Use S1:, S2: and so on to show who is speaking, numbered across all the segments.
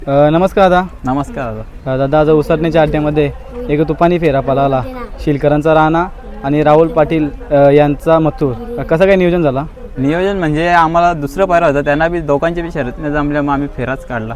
S1: नमस्कार दादा.
S2: नमस्कार
S1: दादा आज उसरण्याच्या अड्ड्यामध्ये एक तुफानी फेरा पळाला. शिलकरांचा राणा आणि राहुल पाटील यांचा मथुर. कसं काय नियोजन झाला?
S2: नियोजन म्हणजे आम्हाला दुसरं पायरा होतं, त्यांना बी दोघांची बी शर्यत नाही जमल्या, मग आम्ही फेराच काढला.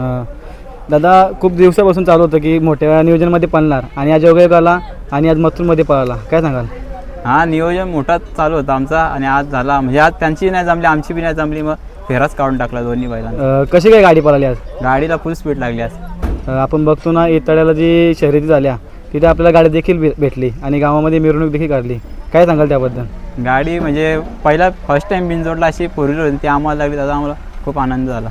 S1: दादा खूप दिवसापासून चालू होतं की मोठ्या नियोजनमध्ये पळणार आणि आज योगायोग आला आणि आज मथुरमध्ये पळाला. काय सांगाल?
S2: हा, नियोजन मोठा चालू होता आमचा आणि आज झाला. म्हणजे आज त्यांची नाही जमली, आमची बी नाही जमली, मग फेराच काढून टाकला दोन्ही बैलांना.
S1: कशी काय गाडी पळाली आज?
S2: गाडीला फुल स्पीड लागली आज.
S1: आपण बघतो ना इतड्याला जी शर्यती झाल्या तिथे आपल्याला गाडी देखील भेटली आणि गावामध्ये मिरवणूक देखील काढली. काय सांगाल त्याबद्दल?
S2: गाडी म्हणजे पहिला फर्स्ट टाइम बिनजोडला अशी फोर व्हीलर होती, ती आम्हाला लागली. त्याचा आम्हाला खूप आनंद झाला.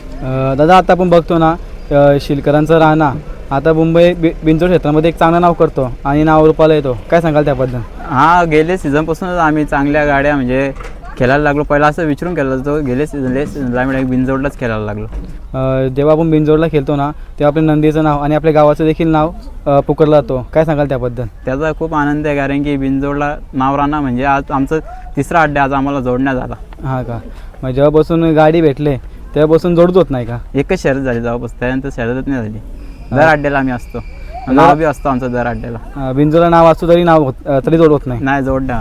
S1: दादा आता आपण बघतो ना शिलकरांचा राणा आता मुंबई बिनजोड क्षेत्रामध्ये एक चांगलं नाव करतो आणि नाव रूपाला येतो. काय सांगाल त्याबद्दल?
S2: हा, गेले सीझनपासूनच आम्ही चांगल्या गाड्या म्हणजे खेळायला लागलो. पहिला असं विचारून केलं होतं, गेले सीझनला आम्ही बिनजोडलाच खेळायला लागलो.
S1: जेव्हा आपण बिनजोडला खेळतो ना तेव्हा आपल्या नंदीचं नाव आणि आपल्या गावाचं देखील नाव पुकारलं जातो. काय सांगाल त्याबद्दल?
S2: त्याचा खूप आनंद आहे, कारण की बिनजोडला नाव राहणं म्हणजे आज आमचं तिसरा अड्डा आज आम्हाला जोडण्यात आला.
S1: हां का? मग जेव्हापासून गाडी भेटले तेव्हापासून जोडत होत नाही का?
S2: एकच शर्यत झाली जेव्हापासून, त्यानंतर शर्यतच नाही झाली. दर अड्ड्याला आम्ही असतो, नाव बी असतो आमचं दर अड्ड्याला.
S1: बिनजोडला नाव असतो तरी नाव तरी जोड होत
S2: नाही जोडण्यात.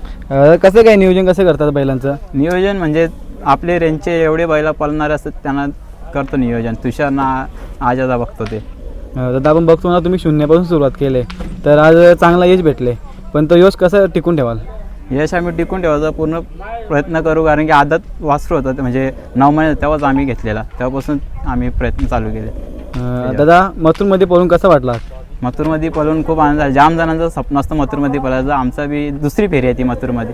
S1: कसं काय नियोजन कसं करतात बैलांचं?
S2: नियोजन म्हणजे आपले रेंजचे एवढे बैला पळणारे असतात त्यांना करतो नियोजन. तुषार ना आजादा बघतो ते.
S1: दादा आपण बघतो ना तुम्ही शून्यापासून सुरुवात केली, तर आज चांगला यश भेटले, पण तो यश कसं टिकून ठेवाल?
S2: यश आम्ही टिकून ठेवायचा पूर्ण प्रयत्न करू, कारण की आदत वासरू होतं म्हणजे 9 महिने तेव्हाच आम्ही घेतलेला, तेव्हापासून आम्ही प्रयत्न चालू केले.
S1: दादा मथुरमध्ये पळून कसं वाटला?
S2: मथुरमध्ये पळून खूप आनंद झाला. जाम जणांचं स्वप्न असतं मथुरमध्ये पळायचं. आमचा बी दुसरी फेरी आहे ती मथुरमध्ये.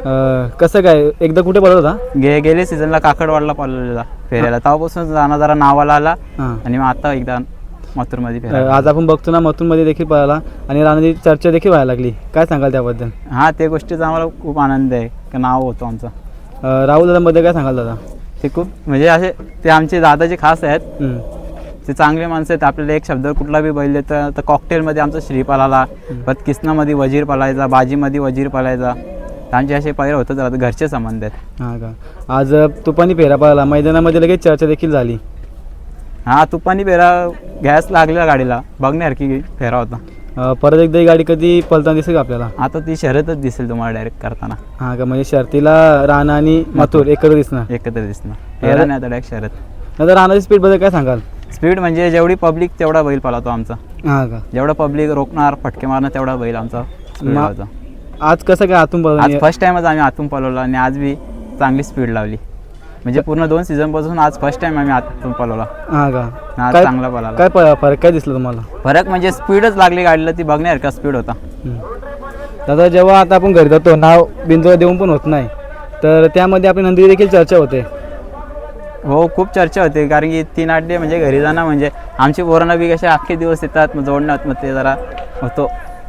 S1: कसं काय एकदा कुठे पळत होता?
S2: गेले सीझनला काकडवाडला पळलेला फेऱ्याला, तेव्हापासून जाणं जरा नावाला आला आणि मग आता एकदा मथुरमध्ये फेरा.
S1: आज आपण बघतो ना मथुरमध्ये देखील पळाला आणि राणाची चर्चा देखील व्हायला लागली. काय सांगाल त्याबद्दल?
S2: हा, ते गोष्टीचा आम्हाला खूप आनंद आहे की नाव होतं आमचं.
S1: राहुल दादामध्ये काय सांगाल दादा?
S2: ते खूप म्हणजे असे ते आमचे दादाचे खास आहेत. ते चांगले माणसं आहेत. आपल्याला एक शब्द कुठला बी बैल देतं तर कॉकटेलमध्ये आमचा श्रीपाल आला, परत किसनामध्ये वजीर पळायचा, बाजीमध्ये वजीर पळायचा. त्यांचे असे पैर होतच राहतात, घरचे संबंध आहेत.
S1: हां का? आज तुपानी फेरा पळाला, मैदानामध्ये लगेच चर्चा देखील झाली.
S2: हा, तुपानी फेरा गॅस लागलेला गाडीला, बघण्यासारखी फेरा होता.
S1: परत एकदा ही गाडी कधी पळताना दिसेल का आपल्याला?
S2: आता ती शर्यतच दिसेल तुम्हाला डायरेक्ट करताना.
S1: हां का? म्हणजे शर्तीला राणा आणि मथुर एकत्र दिसणार?
S2: एकत्र दिसणार, फेरा नाही आता डायरेक्ट शर्यत.
S1: नंतर राणाची स्पीडबद्दल काय सांगाल?
S2: स्पीड म्हणजे जेवढी पब्लिक तेवढा बैल पळतो आमचा.
S1: हां का?
S2: जेवढा पब्लिक रोखणार, फटके मारणार तेवढा बैल आमचा स्पीड होता.
S1: आज कसं काय आतून
S2: आज फर्स्ट टाइमच आम्ही आतून पळवला आणि आज बी चांगली स्पीड लावली. म्हणजे पूर्ण 2 सीझनपासून आज फर्स्ट टाइम आम्ही आतून पळवला.
S1: हां का?
S2: आज चांगला पळाला.
S1: काय फरक काय दिसलं तुम्हाला?
S2: फरक म्हणजे स्पीडच लागली गाडीला, ती बघण्यासारखा स्पीड होता.
S1: दादा जेव्हा आता आपण घरी जातो नाव बिंदू देऊन पण होत नाही, तर त्यामध्ये आपली नंदी देखील चर्चा होते.
S2: हो, खूप चर्चा होते, कारण की 3 अड्डे म्हणजे घरी जाणं म्हणजे आमची पोरांना बी कसे अख्खे दिवस येतात, मग जोडण्यात मग ते जरा होतो.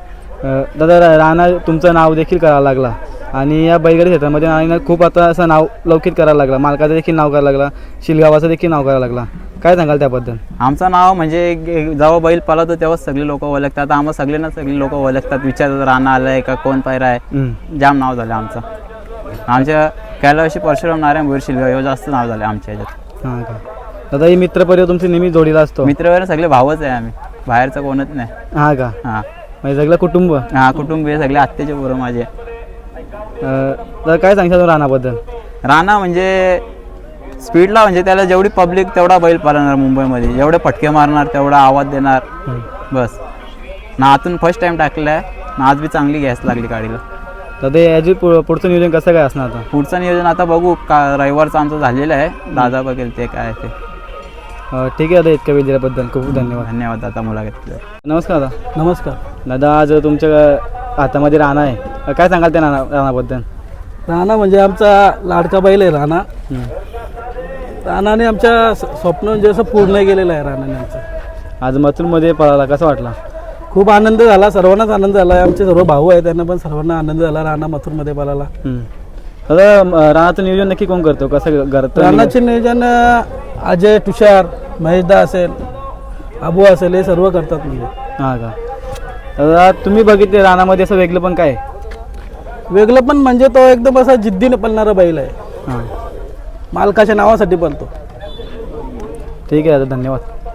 S1: दादा राणा तुमचं नाव देखील करायला लागला आणि या बैलगाडी क्षेत्रामध्ये राणाने खूप आता असं नाव लौकिक करायला लागला, मालकाचं देखील नाव करायला लागला, शिलगावाचं देखील नाव करायला लागला. काय सांगाल त्याबद्दल?
S2: आमचं नाव म्हणजे जेव्हा बैल पळतो तेव्हा सगळे लोक ओळखतात. आम्हाला सगळे लोक ओळखतात, विचारतात राणा आलाय का, कोण पायरा आहे. जाम नाव झालं आमचं. आमच्या कैलाशी परशुराम नारायण भोईर शिलगाव एवढं जास्त नाव झालं आमच्या ह्याच्यात.
S1: हां का? दादा ही मित्रपरिवार तुमची नेहमी जोडीला असतो?
S2: मित्रपरिवार सगळे भावच आहे आम्ही, बाहेरचं कोणच नाही.
S1: हां का?
S2: हां,
S1: म्हणजे सगळं कुटुंब?
S2: हां, कुटुंब आहे सगळे, आत्याचे पोरं माझे.
S1: तर काय सांगशाल राणाबद्दल?
S2: राणा म्हणजे स्पीडला म्हणजे त्याला जेवढी पब्लिक तेवढा बैल पळणार मुंबईमध्ये, जेवढे फटके मारणार तेवढा आवाज देणार बस. ना आतून फर्स्ट टाइम टाकलेला आहे ना, आज बी चांगली गॅस लागली गाडीला.
S1: दादा याची पुढचं नियोजन कसं काय असणार आता?
S2: पुढचं नियोजन आता बघू का, रविवारचं आमचं झालेलं आहे, दादा बघेल ते काय ते.
S1: ठीक आहे दादा, इतक्या वेळ दिल्याबद्दल खूप धन्यवाद.
S2: धन्यवाद दादा मुलाखत.
S1: नमस्कार दादा.
S3: नमस्कार
S1: दादा आज तुमच्या हातामध्ये राणा आहे, काय सांगाल त्या राणाबद्दल?
S3: राणा म्हणजे आमचा लाडका बैल आहे राणा. राणाने आमच्या स्वप्न म्हणजे असं पूर्ण केलेलं आहे राणाने आमचं.
S1: आज मथुरमध्ये पळाला, कसं वाटला?
S3: खूप आनंद झाला, सर्वांनाच आनंद झाला. आमचे सर्व भाऊ आहेत त्यांना पण सर्वांना आनंद झाला राणा मथुरमध्ये पळाला.
S1: दादा राणाचं नियोजन नक्की कोण करतो, कसं करतो?
S3: राणाचे नियोजन अजय, तुषार, महेशदा असेल, अबू असेल, हे सर्व करतात म्हणजे.
S1: हां का? दादा तुम्ही बघितले राणामध्ये असं वेगळं पण काय?
S3: वेगळं पण म्हणजे तो एकदम असा जिद्दीने पळणारा बैल आहे.
S1: हां,
S3: मालकाच्या नावासाठी पळतो.
S1: ठीक आहे दादा, धन्यवाद.